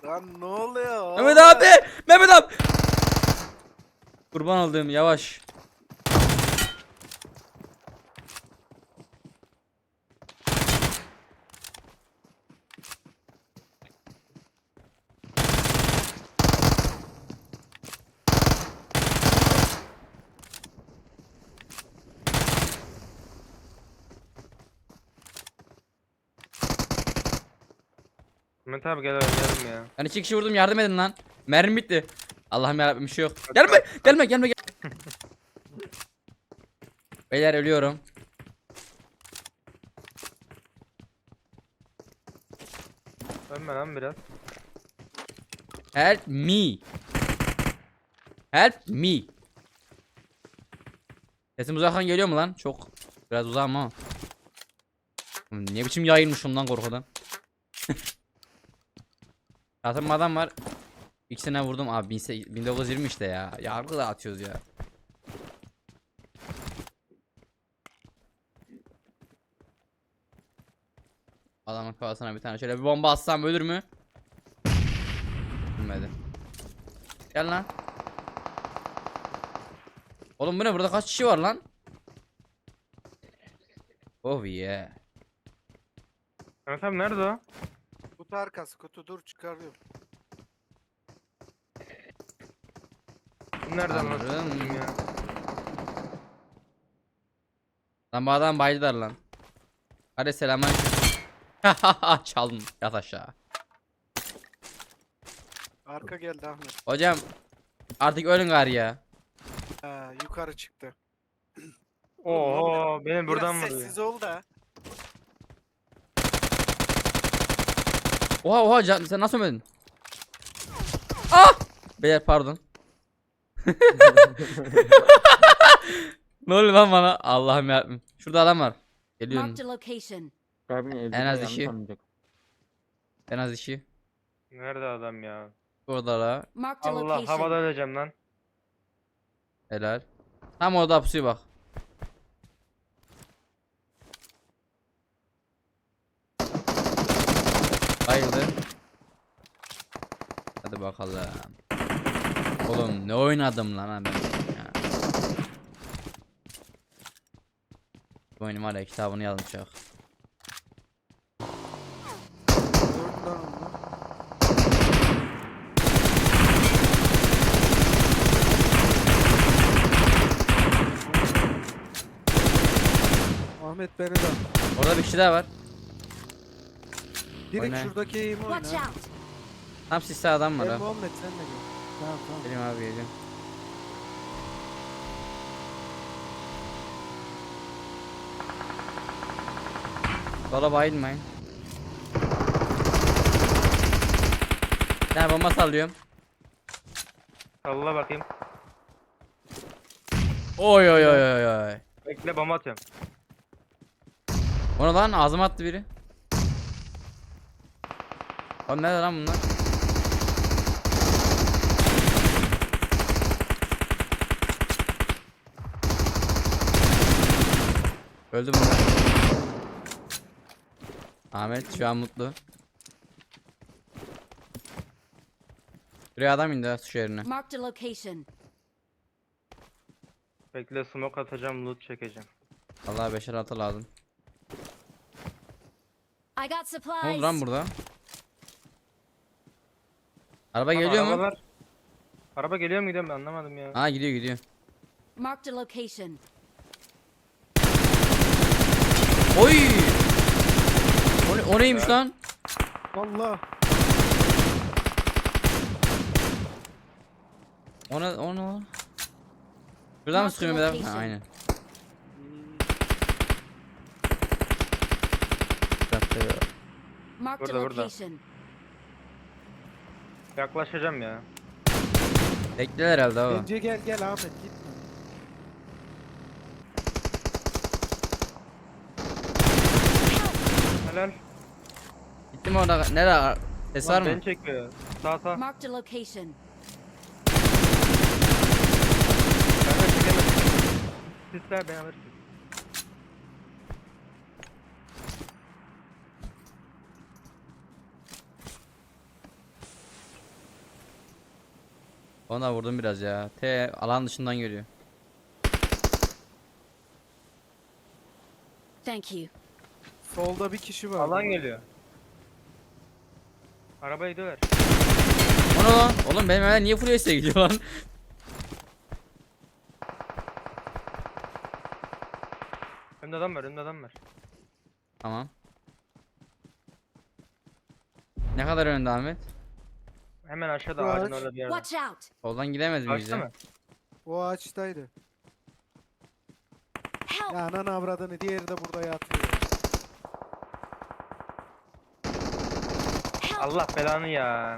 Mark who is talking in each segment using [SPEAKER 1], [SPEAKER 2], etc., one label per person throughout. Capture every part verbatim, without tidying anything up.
[SPEAKER 1] Lan ne oluyor?
[SPEAKER 2] Mehmet abi! Mehmet abi! Kurban olduğum yavaş.
[SPEAKER 3] Mehmet abi gel oynayalım ya.
[SPEAKER 2] Ben iki kişi vurdum, yardım edin lan. Mermi bitti. Allah'ım yarabbim, bir şey yok. Gelme gelme gelme gel. Beyler ölüyorum.
[SPEAKER 3] Ölme lan biraz.
[SPEAKER 2] Help me. Help me. Sesim uzaktan geliyor mu lan? Çok. Biraz uzağım ama. Ne biçim yayılmışım lan korkudan. Zaten adam var. İkisine vurdum abi. bin dokuz yüz yirmi işte ya. Yargı da atıyoruz ya. Adamın kafasına bir tane şöyle bir bomba atsam ölür mü? Ölmedi. Gel lan. Oğlum bu ne, burada kaç kişi var lan? Oh yeah.
[SPEAKER 3] Mehmet abi nerede o?
[SPEAKER 1] Kutu arkası, kutu dur çıkarıyorum.
[SPEAKER 3] Bu nerede lan?
[SPEAKER 2] Tanrım.
[SPEAKER 3] Ya.
[SPEAKER 2] Lan bu adam baydılar lan. Hadi selamünaleyküm. Çaldım, yat aşağı.
[SPEAKER 1] Arka geldi Ahmet.
[SPEAKER 2] Hocam artık ölün gari ya.
[SPEAKER 1] Ha, yukarı çıktı.
[SPEAKER 3] Oo beni buradan
[SPEAKER 1] Biraz
[SPEAKER 3] vuruyor.
[SPEAKER 1] sessiz ol da.
[SPEAKER 2] Oha oha can, sen nasıl ölmedin? Ah! Beyler pardon. Ne oluyor lan bana? Allah'ım yarabbim. Şurada adam var. Geliyorum.
[SPEAKER 4] Marked a location.
[SPEAKER 2] En az işi. En az işi.
[SPEAKER 3] Nerede adam ya?
[SPEAKER 2] Orada la.
[SPEAKER 4] Marked a
[SPEAKER 3] Allah
[SPEAKER 4] location.
[SPEAKER 3] havada öleceğim lan.
[SPEAKER 2] Helal. Tam orada pusuya bak. Bayıldı. Hadi bakalım. Oğlum ne oynadım lan ben ya. Bu oyunun var ya, kitabını yazmışak.
[SPEAKER 1] Dört lan onlar. Ahmet beni de.
[SPEAKER 2] Orada bir kişi daha var.
[SPEAKER 1] Direkt
[SPEAKER 2] Oyna.
[SPEAKER 1] şuradaki eğimi oyna.
[SPEAKER 4] Watch out.
[SPEAKER 2] Tam sisli adam var
[SPEAKER 1] Gel
[SPEAKER 2] ha.
[SPEAKER 1] Muhammed sen de gel. Tamam tamam.
[SPEAKER 2] Geleyim abi, geleyim. Sola bayılmayın. Ben bomba sallıyorum.
[SPEAKER 3] Salla bakayım.
[SPEAKER 2] Oy oy oy oy oy.
[SPEAKER 3] Bekle bomba atıyorum.
[SPEAKER 2] Ona lan ağzıma attı biri. Oğlum nerede lan bunlar? Öldü bunlar. Ahmet şu an mutlu. Buraya adam indi ha, su yerine.
[SPEAKER 4] Marked a location.
[SPEAKER 3] Bekle smoke atacağım, loot çekeceğim.
[SPEAKER 2] Vallahi beşer altı lazım.
[SPEAKER 4] I got
[SPEAKER 2] Ne oldu lan
[SPEAKER 4] supplies.
[SPEAKER 2] burada? Araba
[SPEAKER 3] Tamam,
[SPEAKER 2] geliyor mu?
[SPEAKER 3] arabalar- Araba geliyor mu gidiyor mu ben anlamadım ya.
[SPEAKER 2] Ha gidiyor gidiyor.
[SPEAKER 4] Marked a location.
[SPEAKER 2] Oy! O, ne- o neymiş lan?
[SPEAKER 1] Allah.
[SPEAKER 2] Ona onu. Şuradan mı
[SPEAKER 4] Mark
[SPEAKER 2] sıkıyor
[SPEAKER 4] the
[SPEAKER 2] Mehmet abi? Ha,
[SPEAKER 4] location.
[SPEAKER 2] aynen.
[SPEAKER 1] Hmm.
[SPEAKER 4] Marked a
[SPEAKER 3] Burada, burada.
[SPEAKER 4] location.
[SPEAKER 3] Yaklaşacağım ya.
[SPEAKER 2] Bekler herhalde o.
[SPEAKER 1] Bence gel gel Ahmet gitme.
[SPEAKER 3] Helal.
[SPEAKER 2] Gitti mi orada? Nerede? Ses var
[SPEAKER 3] Lan
[SPEAKER 2] mı?
[SPEAKER 3] beni çekiyor. Sağ sağ.
[SPEAKER 4] Marked a location.
[SPEAKER 3] Ben de çekemedim. Sisler beni alırsın.
[SPEAKER 2] Ona vurdum biraz ya. T alan dışından geliyor.
[SPEAKER 4] Thank you.
[SPEAKER 1] Solda bir kişi var.
[SPEAKER 3] Alan geliyor. Arabayı döver.
[SPEAKER 2] O ne lan? Oğlum benim evden niye full S'e gidiyor lan?
[SPEAKER 3] Önümde adam var, önümde adam var.
[SPEAKER 2] Tamam. Ne kadar önünde Ahmet?
[SPEAKER 3] Hemen aşağıda
[SPEAKER 1] Var.
[SPEAKER 3] ağacın orada bir yerde.
[SPEAKER 4] Watch out.
[SPEAKER 2] Soldan gidemez miyiz
[SPEAKER 3] Ağaçta
[SPEAKER 2] ya?
[SPEAKER 3] mı?
[SPEAKER 1] O ağaçtaydı.
[SPEAKER 4] Help.
[SPEAKER 1] Ya anan avradını, diğeri de burada yatıyor.
[SPEAKER 4] Help.
[SPEAKER 3] Allah belanı ya.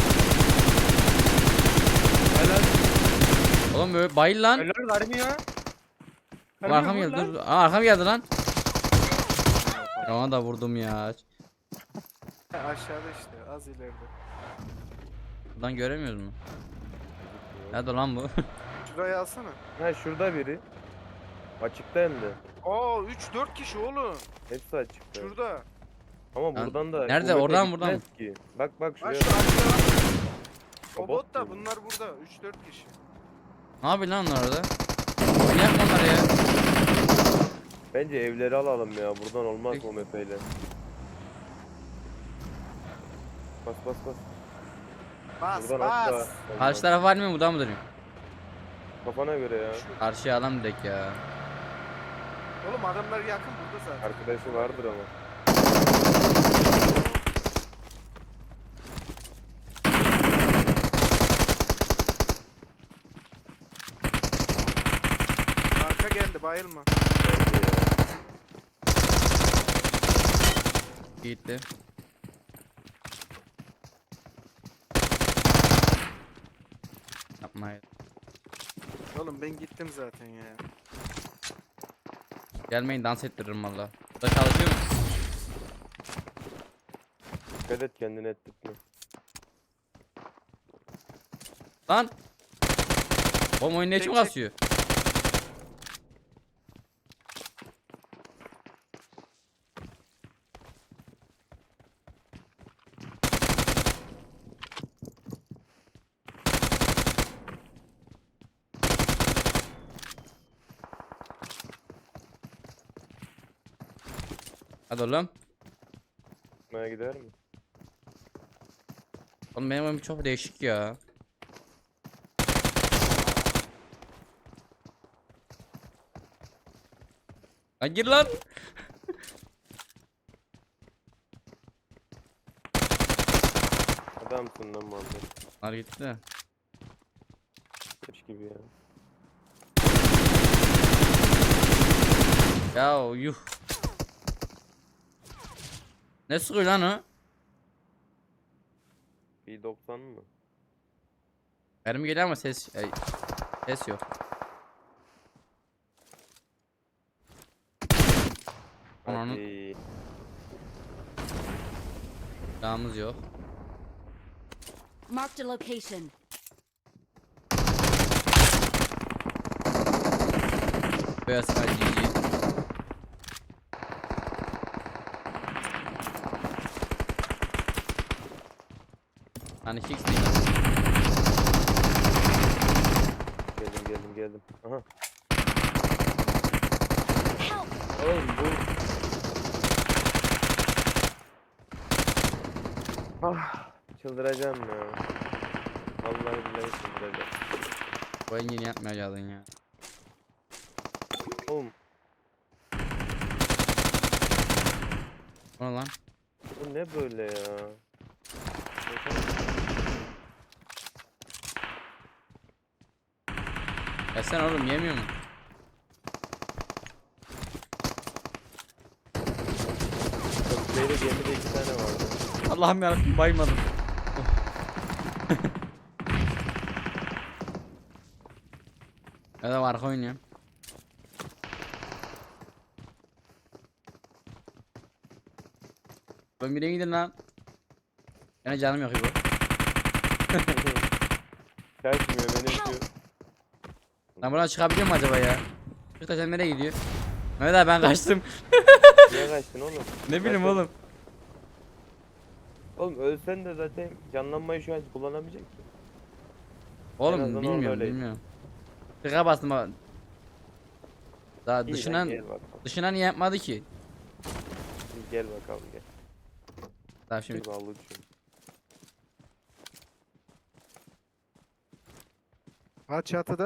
[SPEAKER 3] Helal.
[SPEAKER 2] Oğlum böyle bayıl lan.
[SPEAKER 3] Helal vermiyor.
[SPEAKER 2] Oğlum arkam geldi dur. Aa arkam geldi lan. Ya ona da vurdum ya.
[SPEAKER 1] Ha, aşağıda işte, az ileride.
[SPEAKER 2] Buradan göremiyoruz mu? Nerede lan bu?
[SPEAKER 1] Şurayı alsana.
[SPEAKER 5] Ha şurada biri. Açıkta hem de.
[SPEAKER 1] Oo üç dört kişi oğlum.
[SPEAKER 5] Hepsi açıkta.
[SPEAKER 1] Şurada.
[SPEAKER 5] Ama
[SPEAKER 2] Lan,
[SPEAKER 5] buradan da
[SPEAKER 2] nerede?
[SPEAKER 5] kuvvete
[SPEAKER 2] Oradan, buradan
[SPEAKER 5] gitmez ki. Bak bak
[SPEAKER 1] Ha
[SPEAKER 5] şuraya.
[SPEAKER 1] şu aşağı.
[SPEAKER 5] O
[SPEAKER 1] O
[SPEAKER 5] bot
[SPEAKER 1] bot da
[SPEAKER 5] mu?
[SPEAKER 1] bunlar burada. üç dört kişi.
[SPEAKER 2] Ne yapıyor lan onlar orada? Manyak mı onlar ya?
[SPEAKER 5] Bence evleri alalım ya. Buradan olmaz
[SPEAKER 2] Peki.
[SPEAKER 5] o mepeyle. Bas bas bas.
[SPEAKER 1] Bas
[SPEAKER 5] Buradan atla.
[SPEAKER 1] bas.
[SPEAKER 2] Karşı taraf var mı? Buradan mı dönüyor?
[SPEAKER 5] Kafana göre ya.
[SPEAKER 2] Karşıya adam direkt ya.
[SPEAKER 1] Oğlum adamlar yakın burada zaten.
[SPEAKER 5] Arkadaşı vardır ama.
[SPEAKER 1] Arka geldi, bayılma.
[SPEAKER 5] Bence ya.
[SPEAKER 2] Gitti. Yapma ya.
[SPEAKER 1] Oğlum ben gittim zaten ya.
[SPEAKER 2] Gelmeyin dans ettiririm valla. Burada çalışıyor mu?
[SPEAKER 5] Dikkat et kendine ettik mi?
[SPEAKER 2] Lan! Oğlum oyun ne için
[SPEAKER 1] Çek, çek.
[SPEAKER 2] kasıyor? Hadi oğlum.
[SPEAKER 5] Tutmaya gider mi?
[SPEAKER 2] Oğlum benim oyun çok değişik ya. Lan gir lan.
[SPEAKER 5] Adamsın lan Muhammed.
[SPEAKER 2] Lan gitti.
[SPEAKER 5] Kaç gibi ya.
[SPEAKER 2] Ya yuh. Ne sıkıyor lan o?
[SPEAKER 5] bir doksan mı?
[SPEAKER 2] Mermi geliyor ama ses ay, ses yok. Ananı
[SPEAKER 5] Hadi.
[SPEAKER 2] silahımız yok.
[SPEAKER 4] Marked a location.
[SPEAKER 2] Beyaz G G. Hani fix değil.
[SPEAKER 5] Geldim geldim geldim. Aha.
[SPEAKER 4] Help.
[SPEAKER 5] Oğlum bu. Ah, çıldıracağım ya. Vallahi billahi çıldıracağım.
[SPEAKER 2] Bu en yeni yapmayacaktın ya.
[SPEAKER 5] Oğlum
[SPEAKER 2] O ne lan?
[SPEAKER 5] bu ne böyle ya?
[SPEAKER 2] Ya sen oğlum yemiyor mu?
[SPEAKER 5] Böyle gemide iki tane vardı.
[SPEAKER 2] Allah'ım yarabbim baymadım. Ya da arka oynuyorum. Ben birine gidin lan. Yine canım yok bu.
[SPEAKER 5] Kaçmıyor benim şu.
[SPEAKER 2] Lan buradan çıkabiliyor mu acaba ya? Kırtaşan nereye gidiyor? Mehmet abi ben kaçtım.
[SPEAKER 5] Niye kaçtın oğlum?
[SPEAKER 2] Ne bileyim
[SPEAKER 5] Kaçtın.
[SPEAKER 2] oğlum.
[SPEAKER 5] Oğlum ölsen de zaten canlanmayı şu an kullanamayacak ki.
[SPEAKER 2] Oğlum
[SPEAKER 5] azından orada
[SPEAKER 2] bilmiyorum
[SPEAKER 5] öyleydi.
[SPEAKER 2] bilmiyorum. Tıka bastım ama. Daha
[SPEAKER 5] İyi lan,
[SPEAKER 2] dışından
[SPEAKER 5] gel bakalım.
[SPEAKER 2] dışından niye yapmadı ki?
[SPEAKER 5] İyi, Gel bakalım gel.
[SPEAKER 2] Daha şimdi
[SPEAKER 5] Bir ballı düşün.
[SPEAKER 1] Ha çatıda.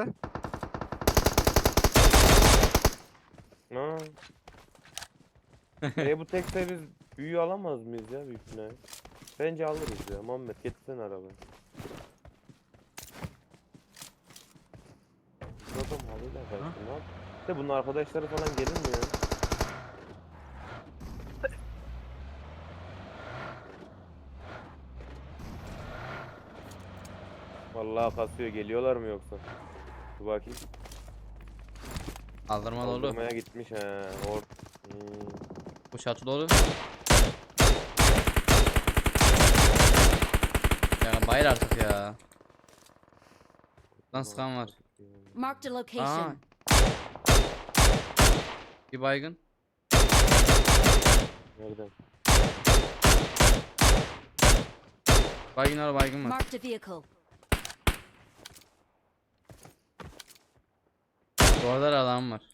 [SPEAKER 5] Ha. e bu tekte biz büyü alamaz mıyız ya büyük ihtimalle? Bence alırız ya. Muhammed getirsene arabayı. Bu adam halıyla kaçtı ne yap? İşte bunun arkadaşları falan gelir mi ya? Vallahi kasıyor, geliyorlar mı yoksa? Dur bakayım.
[SPEAKER 2] kaldırma dolu.
[SPEAKER 5] Kaldırmaya gitmiş he. Or. Hmm.
[SPEAKER 2] Bu çatı dolu. Ya bayır artık ya. Lan sıkan var.
[SPEAKER 4] Marked a
[SPEAKER 2] Aa.
[SPEAKER 4] location.
[SPEAKER 2] Bir baygın.
[SPEAKER 5] Nereden?
[SPEAKER 2] Baygın var baygın var.
[SPEAKER 4] Marked a vehicle.
[SPEAKER 2] Bu arada da adam var.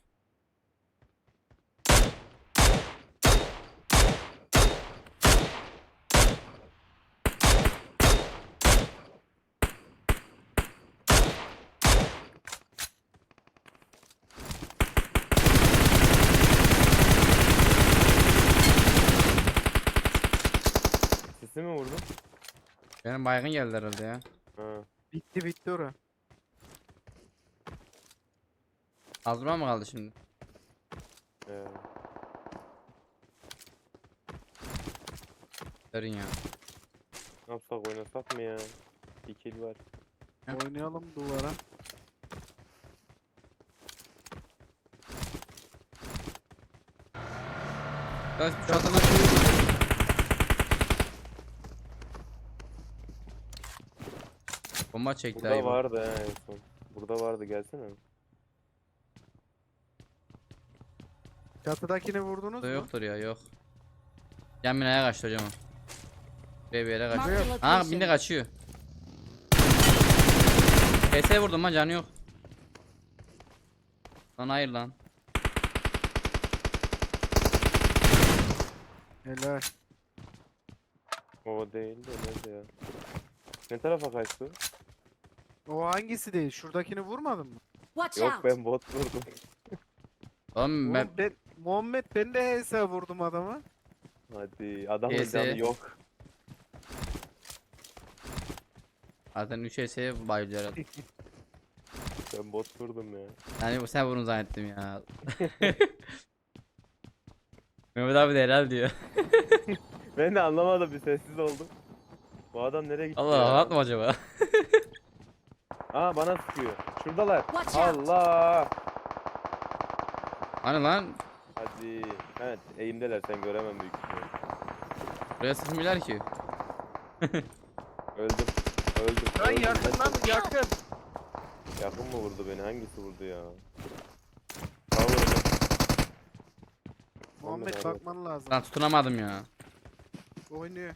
[SPEAKER 5] Sesi mi vurdun?
[SPEAKER 2] Benim baygın geldi herhalde ya.
[SPEAKER 5] Ha.
[SPEAKER 1] Bitti bitti ora.
[SPEAKER 2] Kaldırma mı kaldı şimdi?
[SPEAKER 5] Ee,
[SPEAKER 2] Derin ya.
[SPEAKER 5] ne yapsak oynasak mı ya? Bir kill var.
[SPEAKER 2] Ha.
[SPEAKER 1] Oynayalım duvara.
[SPEAKER 2] Ya şu çatına bomba çekti
[SPEAKER 5] Burada
[SPEAKER 2] ayıbı.
[SPEAKER 5] vardı he en son. Burada vardı, gelsene.
[SPEAKER 1] Çatıdakini vurdunuz
[SPEAKER 2] Burada
[SPEAKER 1] mu?
[SPEAKER 2] yoktur ya yok. Yan binaya kaçtı hocam o. Buraya bir yere kaçıyor.
[SPEAKER 4] Marked a
[SPEAKER 2] Ha
[SPEAKER 4] location.
[SPEAKER 2] bindi kaçıyor. P S vurdum lan canı yok. Lan hayır lan.
[SPEAKER 1] Helal.
[SPEAKER 5] O değil de nerede ya? Ne tarafa kaçtı?
[SPEAKER 1] O hangisi değil? Şuradakini vurmadın mı?
[SPEAKER 4] Watch
[SPEAKER 5] Yok
[SPEAKER 4] out.
[SPEAKER 5] ben bot vurdum.
[SPEAKER 2] Oğlum ben
[SPEAKER 1] Oğlum ben, Muhammed ben de H S vurdum adama.
[SPEAKER 5] Hadi adamın
[SPEAKER 2] Neyse.
[SPEAKER 5] canı yok.
[SPEAKER 2] zaten üç S bayılıyor herhalde.
[SPEAKER 5] Ben bot vurdum ya.
[SPEAKER 2] Yani bu sen vurun zannettim ya. Mehmet abi de helal diyor.
[SPEAKER 5] Ben de anlamadım, bir sessiz oldum. Bu adam nereye gitti
[SPEAKER 2] Allah
[SPEAKER 5] ya?
[SPEAKER 2] anlatma acaba.
[SPEAKER 5] Aa bana sıkıyor. Şuradalar.
[SPEAKER 4] Watch out.
[SPEAKER 5] Allah.
[SPEAKER 2] Hani lan
[SPEAKER 5] Hadi. Evet eğimdeler, sen göremem büyük ihtimalle.
[SPEAKER 2] buraya sıkmıyorlar ki.
[SPEAKER 5] Öldüm. Öldüm.
[SPEAKER 1] Lan
[SPEAKER 5] öldüm.
[SPEAKER 1] yakın lan yakın.
[SPEAKER 5] Yakın mı vurdu beni? Hangisi vurdu ya? Sağ vurdu.
[SPEAKER 1] Muhammed
[SPEAKER 5] abi.
[SPEAKER 1] bakman lazım.
[SPEAKER 2] Lan tutunamadım ya.
[SPEAKER 1] Oynuyor.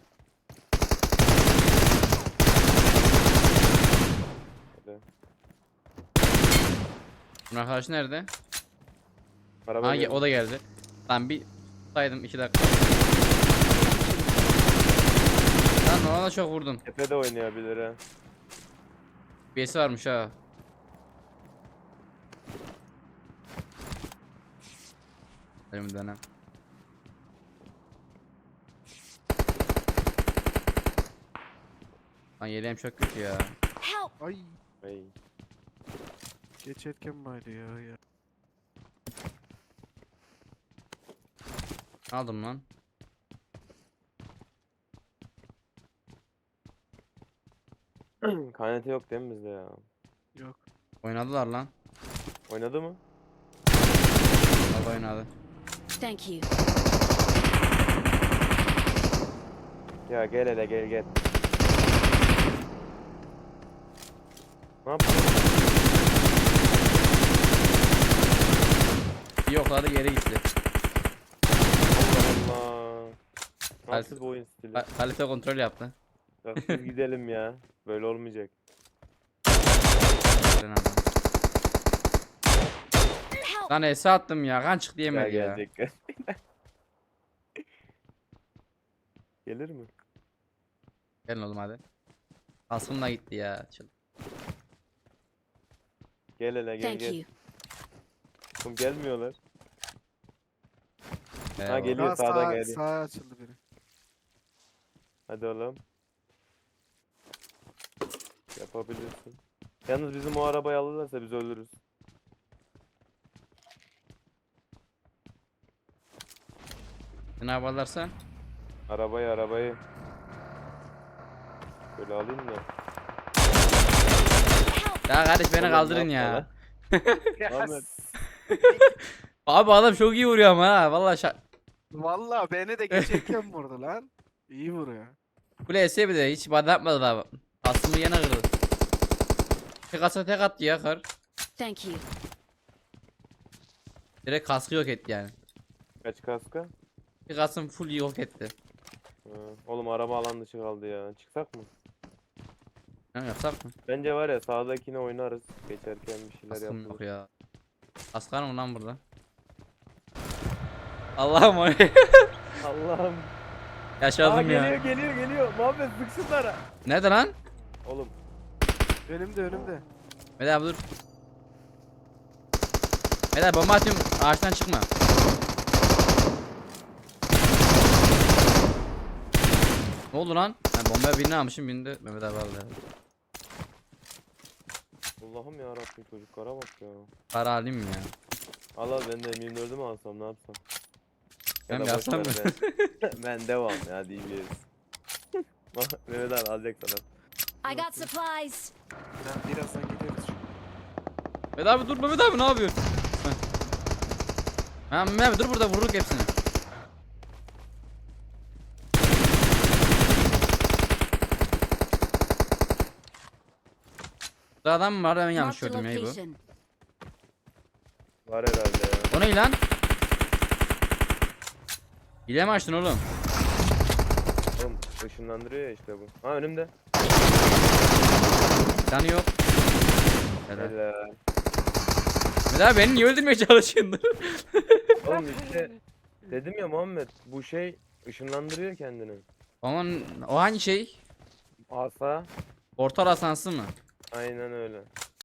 [SPEAKER 5] Hadi.
[SPEAKER 2] Bunun arkadaşı nerede?
[SPEAKER 5] Araba
[SPEAKER 2] Ha
[SPEAKER 5] geldi.
[SPEAKER 2] o da geldi. Lan bir saydım iki dakika. Lan ona da çok vurdum.
[SPEAKER 5] Tepede oynayabilir ha.
[SPEAKER 2] Birisi varmış ha. Elimden ha. Lan yeleğim çok kötü ya.
[SPEAKER 4] Help.
[SPEAKER 1] Ay.
[SPEAKER 5] Ay.
[SPEAKER 1] Geç etken baydı ya ya.
[SPEAKER 2] Aldım lan.
[SPEAKER 5] K N T yok değil mi bizde ya?
[SPEAKER 1] Yok.
[SPEAKER 2] Oynadılar lan.
[SPEAKER 5] Oynadı mı?
[SPEAKER 2] Vallahi oynadı.
[SPEAKER 4] Thank you.
[SPEAKER 5] Ya gel hele gel gel. Ne yapıyorsun?
[SPEAKER 2] Bir yokladı geri gitti.
[SPEAKER 5] Allah Allah. Nasıl bu oyun stili?
[SPEAKER 2] Ka- Kalite kontrol yaptı.
[SPEAKER 5] Ya siz gidelim ya. Böyle olmayacak.
[SPEAKER 2] Lan adam.
[SPEAKER 4] Help!
[SPEAKER 2] Lan Esa attım ya. Kan çıktı
[SPEAKER 5] Gel
[SPEAKER 2] yemedi ya.
[SPEAKER 5] gelecek gel. Gelir mi?
[SPEAKER 2] Gelin oğlum hadi. Kaskım da gitti ya. Çıl.
[SPEAKER 5] Gel hele gel
[SPEAKER 4] Thank
[SPEAKER 5] gel.
[SPEAKER 4] you.
[SPEAKER 5] Oğlum gelmiyorlar.
[SPEAKER 2] Eyvallah.
[SPEAKER 5] geliyor.
[SPEAKER 1] Daha
[SPEAKER 5] sağdan
[SPEAKER 1] sağ,
[SPEAKER 5] geldi.
[SPEAKER 1] sağa açıldı biri.
[SPEAKER 5] Hadi oğlum. Yapabilirsin. Yalnız bizim o arabayı alırlarsa biz ölürüz.
[SPEAKER 2] Ne yaparlarsa?
[SPEAKER 5] Arabayı arabayı. Böyle alayım da.
[SPEAKER 2] Ya kardeş beni
[SPEAKER 5] Oğlum,
[SPEAKER 2] kaldırın
[SPEAKER 5] yapma
[SPEAKER 2] ya.
[SPEAKER 5] lan. Ahmet.
[SPEAKER 2] Abi adam çok iyi vuruyor ama ha. Vallahi şa...
[SPEAKER 1] Valla beni de geçerken vurdu lan. İyi vuruyor.
[SPEAKER 2] Bu L'si bir de hiç bana yapmadı daha. Aslımı yine kırdı. Tek atsa tek attı ya kar.
[SPEAKER 4] Thank you.
[SPEAKER 2] Direkt kaskı yok etti yani.
[SPEAKER 5] Kaç kaska?
[SPEAKER 2] Bir kasım full yok etti.
[SPEAKER 5] Ha, oğlum araba alan dışı kaldı ya. Çıksak mı?
[SPEAKER 2] Ne yapsak mı?
[SPEAKER 5] Bence var ya sağdakine oynarız. Geçerken bir şeyler
[SPEAKER 2] Kaskım yok
[SPEAKER 5] yapılır.
[SPEAKER 2] ya. Kaskar mı lan burada? Allah'ım o
[SPEAKER 5] Allah'ım. Aa,
[SPEAKER 2] yaşadım
[SPEAKER 5] geliyor
[SPEAKER 2] ya.
[SPEAKER 5] geliyor geliyor. Muhammed sık şunlara.
[SPEAKER 2] Nerede lan?
[SPEAKER 5] Oğlum.
[SPEAKER 1] Önümde önümde.
[SPEAKER 2] Meda abi dur. Meda bomba atıyorum ağaçtan çıkma. Ne oldu lan? Ben bombaya birini almışım birini de Mehmet abi aldı.
[SPEAKER 5] Allah'ım ya Rabbim çocuklara bak ya.
[SPEAKER 2] Para alayım mı ya?
[SPEAKER 5] Al al ben de M yirmi dördü mü alsam ne yapsam?
[SPEAKER 2] Ben
[SPEAKER 5] da
[SPEAKER 2] mi
[SPEAKER 5] boş
[SPEAKER 2] yapsam
[SPEAKER 5] ver Ben, ben devam ya diyeceğiz. Mehmet abi alacak sana.
[SPEAKER 4] I got supplies.
[SPEAKER 1] Ben birazdan gideriz.
[SPEAKER 2] Mehmet abi dur Mehmet abi ne yapıyorsun? Ha Mehmet abi dur burada vururuk hepsini. Burada adam mı var ben yanlış
[SPEAKER 4] Marked a
[SPEAKER 2] gördüm ya bu.
[SPEAKER 4] location.
[SPEAKER 5] Var herhalde ya.
[SPEAKER 2] O ne lan? Hile mi açtın oğlum?
[SPEAKER 5] Oğlum ışınlandırıyor ya işte bu. Ha önümde.
[SPEAKER 2] Canı yok. Helal.
[SPEAKER 5] Helal.
[SPEAKER 2] Mehmet abi beni niye öldürmeye çalışıyorsun?
[SPEAKER 5] Oğlum işte dedim ya Muhammed bu şey ışınlandırıyor kendini.
[SPEAKER 2] Aman o hangi şey?
[SPEAKER 5] Asa.
[SPEAKER 2] Portal asansı mı?
[SPEAKER 5] Aynen öyle.